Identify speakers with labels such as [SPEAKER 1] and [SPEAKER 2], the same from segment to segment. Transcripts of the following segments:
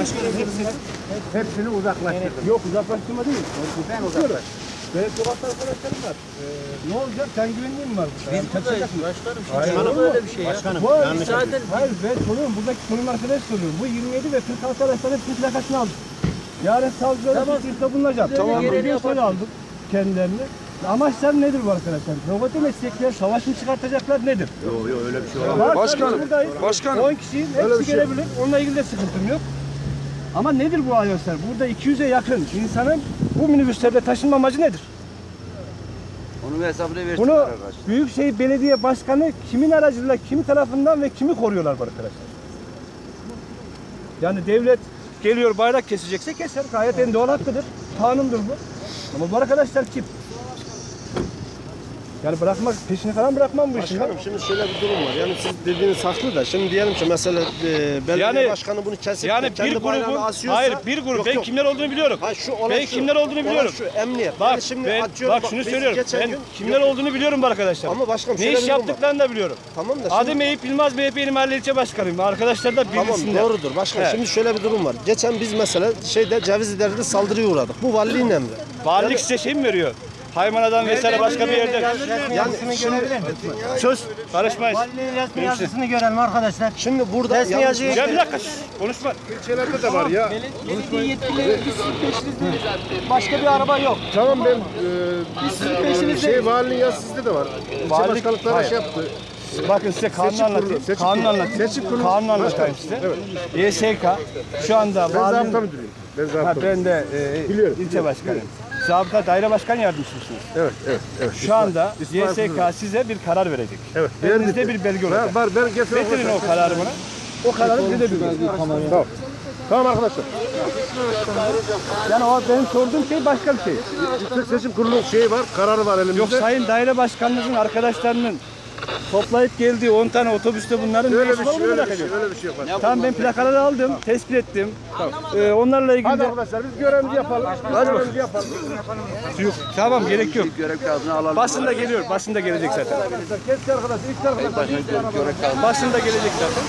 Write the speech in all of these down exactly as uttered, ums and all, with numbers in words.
[SPEAKER 1] Başkanım hepsini, hepsini uzaklaştırdım.
[SPEAKER 2] Yok uzaklaştırma değil.
[SPEAKER 1] Ben uzaklaştırdım.
[SPEAKER 2] Benim sokakta arkadaşlarım var. Ee, ne olacak? Sen güvenliğin mi var?
[SPEAKER 3] Biz
[SPEAKER 2] yani
[SPEAKER 3] buradayız başkanım.
[SPEAKER 2] Hayır,
[SPEAKER 3] Şimdi böyle bir şey ya.
[SPEAKER 2] Başkanım,
[SPEAKER 3] Bu
[SPEAKER 2] yanlış
[SPEAKER 3] zaten
[SPEAKER 2] hayır ben soruyorum. Buradaki konum arkadaş soruyorum. Bu yirmi yedi ve kırk altı araçların hepsinin plakasını aldım. Yarın savcılara
[SPEAKER 3] Tamam.
[SPEAKER 2] suçlulukta bulunacağım.
[SPEAKER 3] Tamam.
[SPEAKER 2] Bir gün sonra aldım kendilerini. Amaçlar nedir bu arkadaşlar? Robotü meslekler savaş mı çıkartacaklar nedir?
[SPEAKER 1] Yok yok öyle bir şey olamaz.
[SPEAKER 4] Başkanım, başkanım.
[SPEAKER 2] on kişinin hepsi
[SPEAKER 4] şey
[SPEAKER 2] gelebilir. Onunla ilgili de sıkıntım yok. Ama nedir bu arkadaşlar? Burada iki yüze yakın insanın bu minibüslerde taşınma amacı nedir?
[SPEAKER 1] Onun hesabını versinler
[SPEAKER 2] Bunu
[SPEAKER 1] arkadaşlar.
[SPEAKER 2] Büyükşehir Belediye Başkanı kimin aracılığıyla, kimi tarafından ve kimi koruyorlar bu arkadaşlar? Yani devlet geliyor bayrak kesecekse keser. Gayet en doğal hakkıdır. Kanundur bu. Ama bu arkadaşlar kim? Yani bırakmak, peşini falan bırakmam bu işin.
[SPEAKER 4] Başkanım şimdi şöyle bir durum var. Yani siz dediğiniz haklı da şimdi diyelim ki mesela e, belediye
[SPEAKER 2] Yani-
[SPEAKER 4] başkanı bunu kesip
[SPEAKER 2] Yani
[SPEAKER 4] de kendi
[SPEAKER 2] bir
[SPEAKER 4] bayrağını
[SPEAKER 2] grubun,
[SPEAKER 4] asıyorsa...
[SPEAKER 2] hayır bir grup,
[SPEAKER 4] Yok,
[SPEAKER 2] ben
[SPEAKER 4] yok.
[SPEAKER 2] kimler olduğunu biliyorum.
[SPEAKER 4] Hayır, şu olay
[SPEAKER 2] Ben
[SPEAKER 4] şu,
[SPEAKER 2] kimler olduğunu
[SPEAKER 4] olay
[SPEAKER 2] biliyorum.
[SPEAKER 4] şu emniyet.
[SPEAKER 2] Bak,
[SPEAKER 4] yani şimdi
[SPEAKER 2] ben,
[SPEAKER 4] atıyorum,
[SPEAKER 2] bak şunu
[SPEAKER 4] biz
[SPEAKER 2] söylüyorum.
[SPEAKER 4] geçen
[SPEAKER 2] Ben
[SPEAKER 4] gün-
[SPEAKER 2] kimler
[SPEAKER 4] yok,
[SPEAKER 2] olduğunu biliyorum bu arkadaşlar.
[SPEAKER 4] Ama başkanım
[SPEAKER 2] ne
[SPEAKER 4] şöyle
[SPEAKER 2] iş
[SPEAKER 4] bir durum var.
[SPEAKER 2] yaptıklarını da biliyorum.
[SPEAKER 4] Tamam da şimdi,
[SPEAKER 2] Adım Eyüp Yılmaz, M H P'nin mahalle ilçe başkanıyım. Arkadaşlar da
[SPEAKER 4] tamam
[SPEAKER 2] bilsinler.
[SPEAKER 4] doğrudur başkanım.
[SPEAKER 2] He.
[SPEAKER 4] Şimdi şöyle bir durum var. Geçen biz mesela şeyde Cevizli'de saldırıya uğradık. Bu valiliğin emri.
[SPEAKER 2] Valilik size şey mi veriyor? Haymanadan vesaire başka bir yerde.
[SPEAKER 4] Yani şimdi,
[SPEAKER 2] Söz, karışmayız.
[SPEAKER 3] valinin resmi yazısını görelim arkadaşlar.
[SPEAKER 4] şimdi burada
[SPEAKER 3] Resmi
[SPEAKER 4] yanlış-
[SPEAKER 3] yazıyı-
[SPEAKER 2] Ya bir dakika, şş, konuşma.
[SPEAKER 4] İlçelerde de var ya.
[SPEAKER 3] Belediye yetkilileri biz sizin peşinizdeyiz. Başka bir araba yok.
[SPEAKER 4] Tamam ben e, şey valinin yazısı sizde de var. İlçe
[SPEAKER 2] Valilik-
[SPEAKER 4] başkanlıkları
[SPEAKER 2] hayır.
[SPEAKER 4] şey yaptı.
[SPEAKER 2] Bakın size kanunu
[SPEAKER 4] Seçim kurulu,
[SPEAKER 2] anlatayım.
[SPEAKER 4] seçim
[SPEAKER 2] Kanunu
[SPEAKER 4] kurulu.
[SPEAKER 2] anlatayım.
[SPEAKER 4] Seçim kurulu.
[SPEAKER 2] Kanunu anlatayım size. Y S K şu anda
[SPEAKER 4] Ben
[SPEAKER 2] valinin...
[SPEAKER 4] zabıta müdürüyüm. Ben
[SPEAKER 2] Ha,
[SPEAKER 4] zabıta
[SPEAKER 2] ben de e,
[SPEAKER 4] Biliyorum,
[SPEAKER 2] ilçe
[SPEAKER 4] biliyorum,
[SPEAKER 2] başkanıyım. Zabıta daire başkan yardımcısınız.
[SPEAKER 4] Evet, evet, evet.
[SPEAKER 2] Şu anda
[SPEAKER 4] İsmail
[SPEAKER 2] Y S K
[SPEAKER 4] Kızılır.
[SPEAKER 2] size bir karar verecek.
[SPEAKER 4] Evet.
[SPEAKER 2] Elinizde bir belge olacak.
[SPEAKER 4] Var, ben getireyim.
[SPEAKER 2] Getirin o kararı bana. O kararı size de bildirin.
[SPEAKER 4] Tamam. Tamam arkadaşlar.
[SPEAKER 2] Yani o benim sorduğum şey başka bir şey.
[SPEAKER 4] Yüksek Seçim Kurulu'nun şeyi var, kararı var elimizde.
[SPEAKER 2] Yok sayın daire başkanınızın arkadaşlarının toplayıp geldiği on tane otobüste bunların
[SPEAKER 4] öyle
[SPEAKER 2] ne
[SPEAKER 4] bir
[SPEAKER 2] işi
[SPEAKER 4] şey,
[SPEAKER 2] var onu
[SPEAKER 4] öyle
[SPEAKER 2] merak
[SPEAKER 4] bir şey,
[SPEAKER 2] ediyorum.
[SPEAKER 4] öyle bir şey yapar.
[SPEAKER 2] Tamam ben plakaları aldım, tespit ettim. Ee, onlarla ilgili
[SPEAKER 4] Hadi
[SPEAKER 2] de...
[SPEAKER 4] arkadaşlar biz görevimizi yapalım. Hadi görevimizi yapalım.
[SPEAKER 2] Yok, tamam gerek yok.
[SPEAKER 1] Görev kağıdını alalım.
[SPEAKER 2] Basında geliyor, basında gelecek zaten.
[SPEAKER 4] Arkadaşlar keski arkadaş, ilk arkadaş.
[SPEAKER 1] Görev kağıdını.
[SPEAKER 2] Basında gelecek zaten.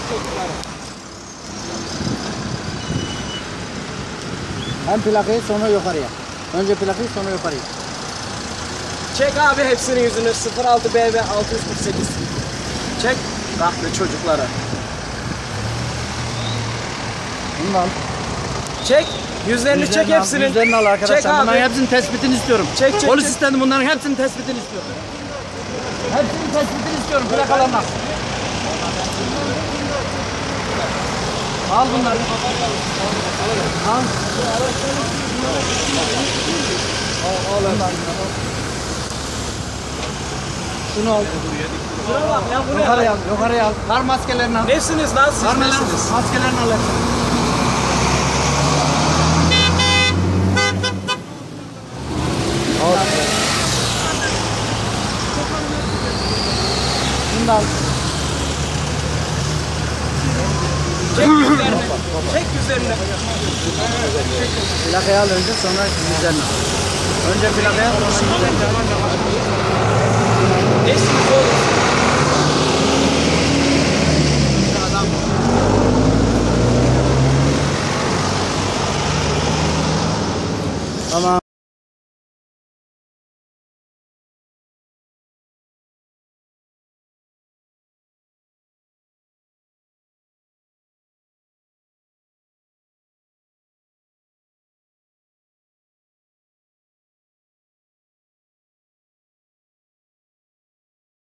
[SPEAKER 3] Hem plakayı sonra yukarıya. Önce plakayı sonra yukarıya.
[SPEAKER 5] Çek abi hepsinin yüzünü sıfır altı B V altı yüz kırk sekiz. Çek. Rahmi çocuklara.
[SPEAKER 3] Bunu da al.
[SPEAKER 5] Çek. Yüzlerini çek
[SPEAKER 3] Yüzlerini al,
[SPEAKER 5] hepsinin.
[SPEAKER 3] Yüzlerini al arkadaşlar.
[SPEAKER 5] Çek abi.
[SPEAKER 3] Bunların hepsinin tespitini istiyorum.
[SPEAKER 5] Çek, çek,
[SPEAKER 3] Polis
[SPEAKER 5] çek.
[SPEAKER 3] istedim bunların hepsinin tespitini istiyorum. Hepsinin tespitini istiyorum plakalarına. Al bunları. Al. Şunu al.
[SPEAKER 5] Şuna bak ya buraya.
[SPEAKER 3] Yukarıya al, yukarıya al. Kar maskelerini al.
[SPEAKER 5] Nesiniz lan siz
[SPEAKER 3] Kar
[SPEAKER 5] nesiniz?
[SPEAKER 3] maskelerini al. Şunu da al.
[SPEAKER 5] Çek yüzlerini. Çek yüzlerini.
[SPEAKER 3] Plakayı al önce sonra yüzlerini al. Önce plakayı al sonra yüzlerini al.
[SPEAKER 5] Nesiniz oğlum?